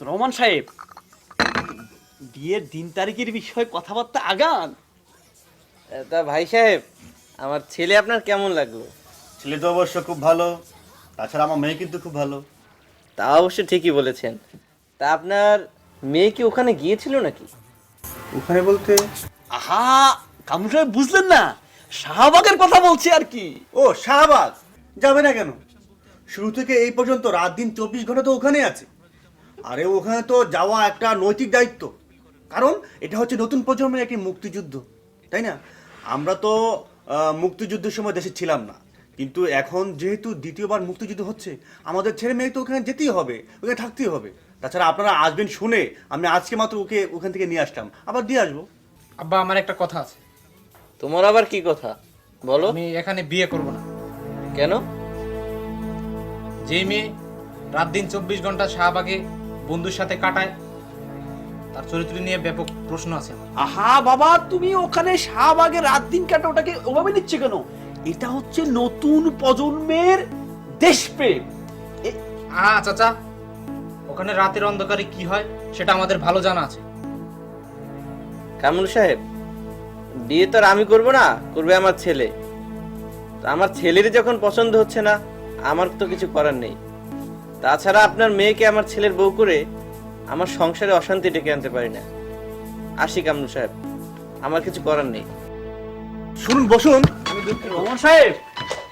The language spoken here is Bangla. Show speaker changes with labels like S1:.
S1: রহমান সাহেব, বিয়ের দিন তারিখের বিষয়ে কথাবার্তা আগান।
S2: তা ভাই সাহেব, আমার ছেলে আপনার কেমন লাগলো?
S3: ছেলে তো অবশ্য খুব ভালো, তাছাড়া আমার মেয়ে কিন্তু খুব ভালো।
S2: তা অবশ্য ঠিকই বলেছেন। তা আপনার মেয়ে কি ওখানে গিয়েছিল নাকি?
S3: ওখানে বলতে?
S1: আহা, কামরু সাহেব বুঝলেন না, শাহবাগের কথা বলছি আর কি।
S3: ও শাহবাগ, যাবে না কেন? শুরু থেকে এই পর্যন্ত রাত দিন 24 ঘন্টা তো ওখানে আছে। আরে ওখানে তো যাওয়া একটা নৈতিক দায়িত্ব, কারণ এটা হচ্ছে নতুন প্রজন্মের একটি মুক্তিযুদ্ধ, তাই না? আমরা তো মুক্তিযুদ্ধের সময় দেশে ছিলাম না, কিন্তু এখন যেহেতু দ্বিতীয়বার মুক্তিযুদ্ধ হচ্ছে, আমাদের ছেলে মেয়ে তো ওখানে যেতেই হবে, ওখানে থাকতেই হবে। তাছাড়া আপনারা আসবেন শুনে আমি আজকে মাত্র ওকে ওখান থেকে নিয়ে আসলাম, আবার দিয়ে আসবো।
S4: আব্বা, আমার একটা কথা আছে।
S2: তোমার আবার কি কথা বলো?
S4: আমি এখানে বিয়ে করব না।
S2: কেন?
S4: যে মেয়ে রাত দিন 24 ঘন্টা শাহবাগে বন্ধুর সাথে কাটায়, তার চরিত্র নিয়ে ব্যাপক প্রশ্ন আছে আমার।
S1: আহা বাবা, তুমি ওখানে শাহবাগে রাত দিন কাটা ওটাকে ওভাবে নিচ্ছে কেন? এটা হচ্ছে নতুন প্রজন্মের দেশপ্রেম।
S4: চাচা, ওখানে রাতের অন্ধকারে কি হয় সেটা আমাদের ভালো জানা আছে।
S2: কামরুল সাহেব, বিয়ে তো আর আমি করবো না, করবে আমার ছেলে। তা আমার ছেলের যখন পছন্দ হচ্ছে না, আমার তো কিছু করার নেই। তাছাড়া আপনার মেয়েকে আমার ছেলের বউ করে আমার সংসারে অশান্তি ডেকে আনতে পারি না। আসি কামরুল সাহেব, আমার কিছু করার নেই।
S3: শুনুন, বসুন।
S1: রহমান সাহেব,